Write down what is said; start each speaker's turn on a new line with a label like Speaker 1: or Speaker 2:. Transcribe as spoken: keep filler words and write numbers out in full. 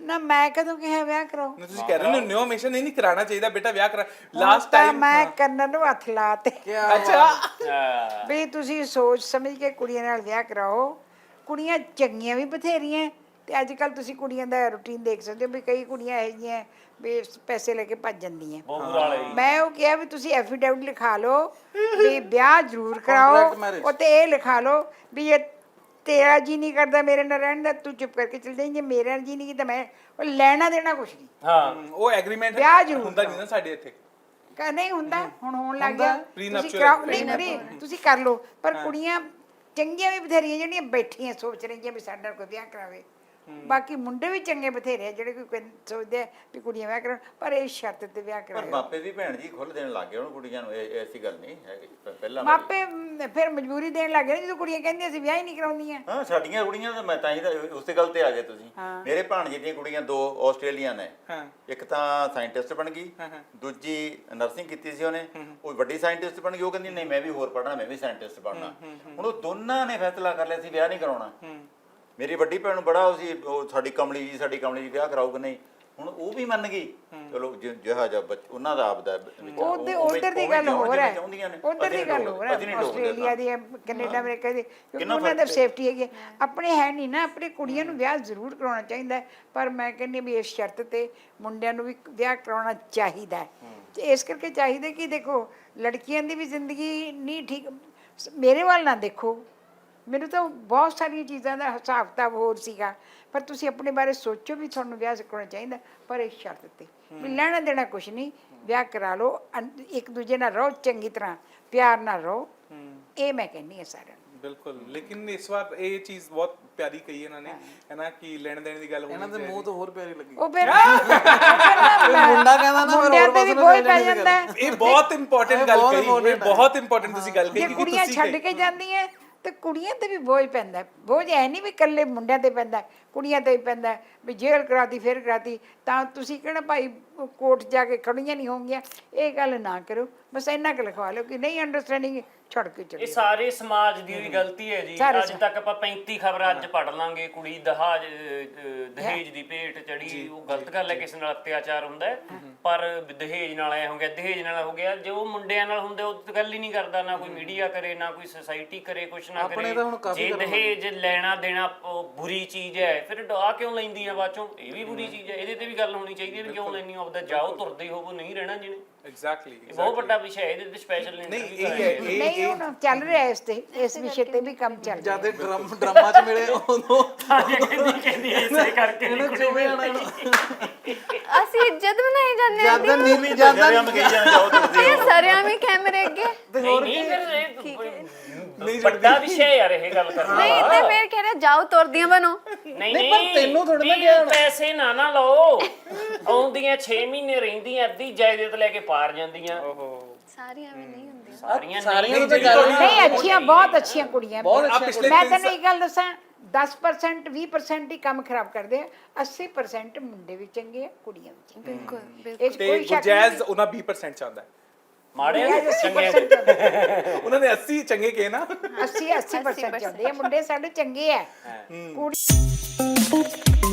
Speaker 1: ਨਾ ਮੈਂ ਕਦੋਂ ਕਿਹਾ ਵਿਆਹ ਕਰਾਓ?
Speaker 2: ਤੁਸੀਂ ਕਹਿ ਰਹੇ ਹੋ ਨਿਓ ਹਮੇਸ਼ਾ ਨਹੀਂ ਨਹੀਂ ਕਰਾਉਣਾ ਚਾਹੀਦਾ ਬੇਟਾ ਵਿਆਹ ਕਰਾ ਲਾਸਟ ਟਾਈਮ
Speaker 1: ਮੈਂ ਕੰਨਾਂ ਨੂੰ ਹੱਥ ਲਾਤੇ
Speaker 2: ਅੱਛਾ
Speaker 1: ਵੀ ਤੁਸੀਂ ਸੋਚ ਸਮਝ ਕੇ ਕੁੜੀਆਂ ਨਾਲ ਵਿਆਹ ਕਰਾਓ। ਕੁੜੀਆਂ ਚੰਗੀਆਂ ਵੀ ਬਥੇਰੀਆਂ ਤੇ ਅੱਜ ਕੱਲ ਤੁਸੀਂ ਕੁੜੀਆਂ ਦਾ ਰੂਟੀਨ ਦੇਖ ਸਕਦੇ ਹੋ ਵੀ ਕਈ ਕੁੜੀਆਂ ਇਹੋ ਜਿਹੀਆਂ ਵੀ ਪੈਸੇ ਲੈ ਕੇ ਭੱਜ ਜਾਂਦੀਆਂ। ਮੈਂ ਉਹ ਕਿਹਾ ਵੀ ਤੁਸੀਂ ਐਫੀਡੇਵਿਟ ਲਿਖਾ ਲਓ ਵੀ ਵਿਆਹ ਜ਼ਰੂਰ ਕਰਾਓ ਉੱਤੇ ਇਹ ਲਿਖਾ ਲਓ ਵੀ ਇਹ ਤੇਰਾ ਜੀ ਨਹੀਂ ਕਰਦਾ ਮੇਰੇ ਨਾਲ ਰਹਿਣ ਦਾ ਤੂੰ ਚੁੱਪ ਕਰਕੇ ਚਲ ਜਾਈਂ, ਜੇ ਮੇਰਾ ਜੀ ਨਹੀਂ ਕੀਤਾ ਮੈਂ ਉਹ ਲੈਣਾ ਦੇਣਾ ਕੁਛ ਨਹੀਂ।
Speaker 2: ਹਾਂ ਉਹ ਐਗਰੀਮੈਂਟ
Speaker 1: ਵਿਆਹ ਜ਼ਰੂਰ
Speaker 2: ਹੁੰਦਾ ਨਹੀਂ ਨਾ ਸਾਡੇ ਇੱਥੇ
Speaker 1: ਕਹ ਨਹੀਂ ਹੁੰਦਾ ਹੁਣ ਹੋਣ ਲੱਗ ਗਿਆ ਤੁਸੀਂ
Speaker 2: Prenuptial
Speaker 1: ਕਰਾਓ ਨਹੀਂ ਨਹੀਂ ਤੁਸੀਂ ਕਰ ਲਓ ਪਰ ਕੁੜੀਆਂ ਚੰਗੀਆਂ ਵੀ ਬਥੇਰੀਆਂ ਜਿਹੜੀਆਂ ਬੈਠੀਆਂ ਸੋਚ ਰਹੀਆਂ ਵੀ ਸਾਡੇ ਨਾਲ ਕੋਈ ਵਿਆਹ ਕਰਾਵੇ। ਬਾਕੀ ਮੁੰਡੇ ਵੀ ਚੰਗੇ ਬਥੇਰੇ ਆ ਜਿਹੜੇ ਕੋਈ ਸੋਚਦੇ ਆ ਵੀ ਕੁੜੀਆਂ ਵਿਆਹ ਕਰਾਉਣ ਪਰ ਇਹ ਸ਼ਰਤ ਤੇ ਵਿਆਹ
Speaker 3: ਪਰ
Speaker 1: ਕਰਾਓ।
Speaker 3: ਮਾਪੇ ਵੀ ਭੈਣ ਜੀ ਖੁੱਲ੍ਹ ਦੇਣ ਲੱਗ ਗਏ ਹੁਣ ਕੁੜੀਆਂ ਨੂੰ, ਇਹ ਐਸੀ ਗੱਲ ਨਹੀਂ ਹੈਗੀ ਪਹਿਲਾਂ ਵਾਲੀ।
Speaker 1: ਮਾਪੇ ਮ, ਫਿਰ ਮਜਬੂਰੀ ਦੇਣ ਲੱਗ ਗਏ ਜਦੋਂ ਕੁੜੀਆਂ ਕਹਿੰਦੀਆਂ ਅਸੀਂ ਵਿਆਹ ਹੀ ਨਹੀਂ ਕਰਾਉਂਦੀਆਂ।
Speaker 3: ਹਾਂ ਸਾਡੀਆਂ ਕੁੜੀਆਂ ਤਾਂ ਮੈਂ ਤਾਂ ਹੀ ਤਾਂ ਉਸੇ ਗੱਲ ਤੇ ਆ ਗਏ ਤੁਸੀਂ। ਮੇਰੇ ਭਾਣਜੇ ਦੀਆਂ ਕੁੜੀਆਂ ਦੋ ਆਸਟ੍ਰੇਲੀਅਨ ਨੇ, ਇੱਕ ਤਾਂ ਸਾਇੰਟਿਸਟ ਬਣ ਗਈ, ਦੂਜੀ ਨਰਸਿੰਗ ਕੀਤੀ ਸੀ ਉਹਨੇ, ਉਹ ਵੱਡੀ ਸਾਇੰਟਿਸਟ ਬਣ ਗਈ। ਉਹ ਕਹਿੰਦੀ ਨਹੀਂ ਮੈਂ ਵੀ ਹੋਰ ਪੜ੍ਹਨਾ, ਮੈਂ ਵੀ ਸਾਇੰਟਿਸਟ ਬਣਨਾ। ਹੁਣ ਉਹ ਦੋਨਾਂ ਨੇ ਫੈਸਲਾ ਕਰ ਲਿਆ ਸੀ ਵਿਆਹ ਨਹੀਂ ਕਰਾਉਣਾ। ਮੇਰੀ ਵੱਡੀ ਭੈਣ ਨੂੰ ਬੜਾ ਉਹ ਸੀ ਉਹ ਸਾਡੀ ਕਮਲੀ ਜੀ ਸਾਡੀ ਕਮਲੀ ਜੀ ਵਿਆਹ ਕਰਾਊਗਾ ਨਹੀਂ। ਹੁਣ ਉਹ ਵੀ ਮੰਨ ਗਈ ਚਲੋ ਜਿਹਾ ਜਿਹਾ ਉਹਨਾਂ ਦਾ ਆਪਦਾ
Speaker 1: ਉਹਦੇ ਉਧਰ ਦੀ ਗੱਲ ਹੋਰ ਹੈ, ਉਧਰ ਦੀ ਗੱਲ ਹੋਰ ਹੈ। ਆਸਟ੍ਰੇਲੀਆ ਦੀ ਕੈਨੇਡਾ ਅਮਰੀਕਾ ਦੀ ਕਿਉਂਕਿ ਉਹਨਾਂ ਦਾ ਸੇਫਟੀ ਹੈਗੀ। ਆਪਣੇ ਹੈ ਨਹੀਂ ਨਾ, ਆਪਣੇ ਕੁੜੀਆਂ ਨੂੰ ਵਿਆਹ ਜ਼ਰੂਰ ਕਰਾਉਣਾ ਚਾਹੀਦਾ ਪਰ ਮੈਂ ਕਹਿੰਦੀ ਵੀ ਇਸ ਸ਼ਰਤ ਤੇ ਮੁੰਡਿਆਂ ਨੂੰ ਵੀ ਵਿਆਹ ਕਰਾਉਣਾ ਚਾਹੀਦਾ ਹੈ। ਤੇ ਇਸ ਕਰਕੇ ਚਾਹੀਦਾ ਕਿ ਦੇਖੋ ਲੜਕੀਆਂ ਦੀ ਵੀ ਜ਼ਿੰਦਗੀ ਨਹੀਂ ਠੀਕ। ਮੇਰੇ ਵੱਲ ਨਾ ਦੇਖੋ, ਮੈਨੂੰ ਤਾਂ ਬਹੁਤ ਸਾਰੀਆਂ ਚੀਜ਼ਾਂ ਦਾ ਹਿਸਾਬ ਕਿਤਾਬ ਹੋਰ ਸੀਗਾ ਪਰ ਤੁਸੀਂ ਆਪਣੇ ਬਾਰੇ ਸੋਚੋ ਵੀ ਤੁਹਾਨੂੰ ਵਿਆਹ ਕਰਾਉਣਾ ਚਾਹੀਦਾ ਪਰ ਇਸ ਸ਼ਰਤ ਤੇ ਵੀ ਲੈਣਾ ਦੇਣਾ ਕੁਛ ਨਹੀਂ, ਵਿਆਹ ਕਰਾ ਲਓ, ਇੱਕ ਦੂਜੇ ਨਾਲ ਰਹੋ, ਚੰਗੀ ਤਰ੍ਹਾਂ ਪਿਆਰ ਨਾਲ ਰਹੋ। ਇਹ ਮੈਂ ਕਹਿੰਦੀ ਹਾਂ ਸਾਰਿਆਂ ਨੂੰ।
Speaker 2: ਬਿਲਕੁਲ ਲੇਕਿਨ ਇਸ ਵਾਰ ਇਹ ਚੀਜ਼ ਬਹੁਤ ਪਿਆਰੀ ਕਹੀ ਇਹਨਾਂ ਨੇ ਹੈ ਨਾ ਕਿ ਲੈਣ ਦੇਣ ਦੀ ਗੱਲ ਹੋਣੀ
Speaker 4: ਇਹਨਾਂ ਦੇ ਮੂੰਹ ਤੋਂ ਹੋਰ ਪਿਆਰੀ ਲੱਗੀ।
Speaker 1: ਉਹ ਫਿਰ
Speaker 4: ਮੁੰਡਾ ਕਹਿੰਦਾ ਨਾ
Speaker 1: ਮੁੰਡਿਆਂ ਤੇ ਵੀ ਬੋਝ ਪੈ ਜਾਂਦਾ।
Speaker 2: ਇਹ ਬਹੁਤ ਇੰਪੋਰਟੈਂਟ ਗੱਲ ਕਹੀ, ਇਹ ਬਹੁਤ ਇੰਪੋਰਟੈਂਟ ਤੁਸੀਂ ਗੱਲ ਕਹੀ
Speaker 1: ਜੇ ਕੁੜੀਆਂ ਛੱਡ ਕੇ ਜਾਂਦੀਆਂ ਤੇ ਕੁੜੀਆਂ ਤੇ ਵੀ ਬੋਝ ਪੈਂਦਾ। ਬੋਝ ਐ ਨਹੀਂ ਵੀ ਇਕੱਲੇ ਮੁੰਡਿਆਂ ਤੇ ਪੈਂਦਾ, ਕੁੜੀਆਂ ਤੇ ਵੀ ਪੈਂਦਾ ਵੀ ਜੇਲ੍ਹ ਕਰਾਤੀ ਫਿਰ ਕਰਾਤੀ ਤਾਂ ਤੁਸੀਂ ਕਿਹੜਾ ਭਾਈ ਕੋਰਟ ਜਾ ਕੇ ਖੜੀਆਂ ਨਹੀਂ ਹੋਣਗੀਆਂ। ਇਹ ਗੱਲ ਨਾ ਕਰੋ, ਬਸ ਇੰਨਾ ਕੁ ਲਿਖਵਾ ਲਓ ਕਿ ਨਹੀਂ ਅੰਡਰਸਟੈਂਡਿੰਗ ਛੱਡ ਕੇ ਚਲੇ।
Speaker 5: ਇਹ ਸਾਰੇ ਸਮਾਜ ਦੀ ਵੀ ਗਲਤੀ ਹੈ ਜੀ। ਅੱਜ ਤੱਕ ਆਪਾਂ ਪੈਂਤੀ ਖਬਰਾਂ ਅੱਜ ਪੜ ਲਾਂਗੇ ਕੁੜੀ ਦਹਾਜ ਦਹੇਜ ਦੀ ਭੇਟ ਚੜੀ, ਉਹ ਗਲਤ ਗੱਲ ਹੈ, ਕਿਸੇ ਨਾਲ ਅਤਿਆਚਾਰ ਹੁੰਦਾ ਹੈ ਪਰ ਦਹੇਜ ਨਾਲ ਐ ਹੋ ਗਿਆ, ਦਹੇਜ ਨਾਲ ਹੋ ਗਿਆ। ਜੋ ਮੁੰਡਿਆਂ ਨਾਲ ਹੁੰਦਾ ਉਹ ਗੱਲ ਹੀ ਨਹੀਂ ਕਰਦਾ, ਨਾ ਕੋਈ ਮੀਡੀਆ ਕਰੇ ਨਾ ਕੋਈ ਸੁਸਾਇਟੀ ਕਰੇ, ਕੁਛ ਨਾ ਕਰੇ। ਜੇ ਦਹੇਜ ਲੈਣਾ ਦੇਣਾ ਬੁਰੀ ਚੀਜ਼ ਹੈ ਫਿਰ ਆ ਕਿਉਂ ਲੈਂਦੀ ਆ ਬਾਅਦ ਚੋਂ? ਇਹ ਵੀ ਬੁਰੀ ਚੀਜ਼ ਹੈ, ਇਹਦੇ ਤੇ ਵੀ ਗੱਲ ਹੋਣੀ ਚਾਹੀਦੀ ਹੈ ਵੀ ਕਿਉਂ ਲੈਣੀ ਹੋ। ਆਪਦਾ ਜਾਓ ਤੁਰਦੇ ਹੋਵੋ, ਨਹੀਂ ਰਹਿਣਾ ਜਿਹਨੇ।
Speaker 2: ਐਗਜ਼ੈਕਟਲੀ
Speaker 5: ਇਹ ਬਹੁਤ ਵੱਡਾ ਵਿਸ਼ਾ ਹੈ, ਇਹਦੇ ਤੇ ਸਪੈਸ਼ਲ
Speaker 2: ਨਹੀਂ ਇਹ
Speaker 1: ਨਹੀਂ ਹੁਣ ਚੱਲ ਰਿਹਾ ਇਸ ਤੇ ਇਸ ਵਿਸ਼ੇ ਤੇ ਵੀ ਕੰਮ ਚੱਲ ਰਿਹਾ।
Speaker 4: ਜਦ ਡਰਮ ਡਰਾਮਾ ਚ ਮਿਲੇ ਉਦੋਂ
Speaker 5: ਕਹਿੰਦੀ ਕਹਿੰਦੀ ਐਸੇ ਕਰਕੇ
Speaker 4: ਇਹਨੂੰ ਚੁਵੇ ਆਣਾ
Speaker 6: ਅਸੀਂ ਇੱਜ਼ਤ ਬਣਾਈ ਜਾਂਦੇ ਆ।
Speaker 4: ਜਦ ਨੀਲੀ ਜਦ
Speaker 3: ਮੈਂ ਕਹੀ ਜਾਣਾ ਜਾਓ ਤੁਸੀਂ
Speaker 6: ਇਹ ਸਰਿਆਂ ਵੀ ਕੈਮਰੇ ਅੱਗੇ
Speaker 5: ਨਹੀਂ ਨਹੀਂ ਫਿਰ ਇਹ ਵੱਡਾ ਵਿਸ਼ਾ ਯਾਰ ਇਹ ਗੱਲ ਕਰਨਾ।
Speaker 6: ਨਹੀਂ ਤੇ ਮੈਂ ਕਹਿ ਰਿਹਾ ਜਾਓ ਤੁਰਦੀਆਂ ਬਣੋ।
Speaker 5: ਨਹੀਂ ਨਹੀਂ
Speaker 4: ਤੈਨੂੰ ਥੋੜ੍ਹਾ ਨਾ
Speaker 5: ਵੀ
Speaker 4: ਕਿਹਾ।
Speaker 5: ਪੈਸੇ ਨਾ ਨਾ ਲਓ, ਆਉਂਦੀਆਂ ਛੇ ਮਹੀਨੇ ਰਹਿੰਦੀਆਂ ਅੱਧੀ ਜਾਇਦਾਦ ਲੈ ਕੇ ਪਾਰ ਜਾਂਦੀਆਂ।
Speaker 6: ਸਾਰੀਆਂ ਵੀ ਨਹੀਂ ਹੁੰਦੀਆਂ।
Speaker 5: ਸਾਰੀਆਂ
Speaker 4: ਸਾਰੀਆਂ
Speaker 5: ਨਹੀਂ
Speaker 4: ਤਾਂ ਗੱਲ
Speaker 1: ਨਹੀਂ ਅੱਛੀਆਂ ਬਹੁਤ ਅੱਛੀਆਂ ਕੁੜੀਆਂ।
Speaker 2: ਪਿਛਲੇ
Speaker 1: ਮੈਂ ਤੈਨੂੰ ਇੱਕ ਗੱਲ ਦੱਸਾਂ ਦਸ ਪਰਸੈਂਟ ਵੀਹ ਪਰਸੈਂਟ ਹੀ ਕੰਮ ਖਰਾਬ ਕਰਦੇ ਆ, ਅੱਸੀ ਪਰਸੈਂਟ ਮੁੰਡੇ ਵੀ ਚੰਗੇ ਆ ਕੁੜੀਆਂ ਵੀ ਚੰਗੀਆਂ।
Speaker 6: ਬਿਲਕੁਲ
Speaker 1: ਇਹ 'ਚ
Speaker 2: ਤੇ
Speaker 1: ਕੋਈ ਸ਼ੱਕ
Speaker 2: ਗੁਰਜੈਜ਼ ਉਹਨਾਂ ਵੀਹ ਪਰਸੈਂਟ ਚਾਹੁੰਦਾ ਹੈ।
Speaker 5: ਮਾੜੇ
Speaker 1: ਨਹੀਂ
Speaker 5: ਚੰਗੇ
Speaker 2: ਉਹਨਾਂ ਨੇ ਅੱਸੀ ਚੰਗੇ ਕਹੇ ਨਾ,
Speaker 1: ਅੱਸੀ ਅੱਸੀ ਪਰਸੈਂਟ ਚਾਹੁੰਦੇ ਆ ਮੁੰਡੇ ਸਾਡੇ ਚੰਗੇ ਆ। ਕੁੜੀ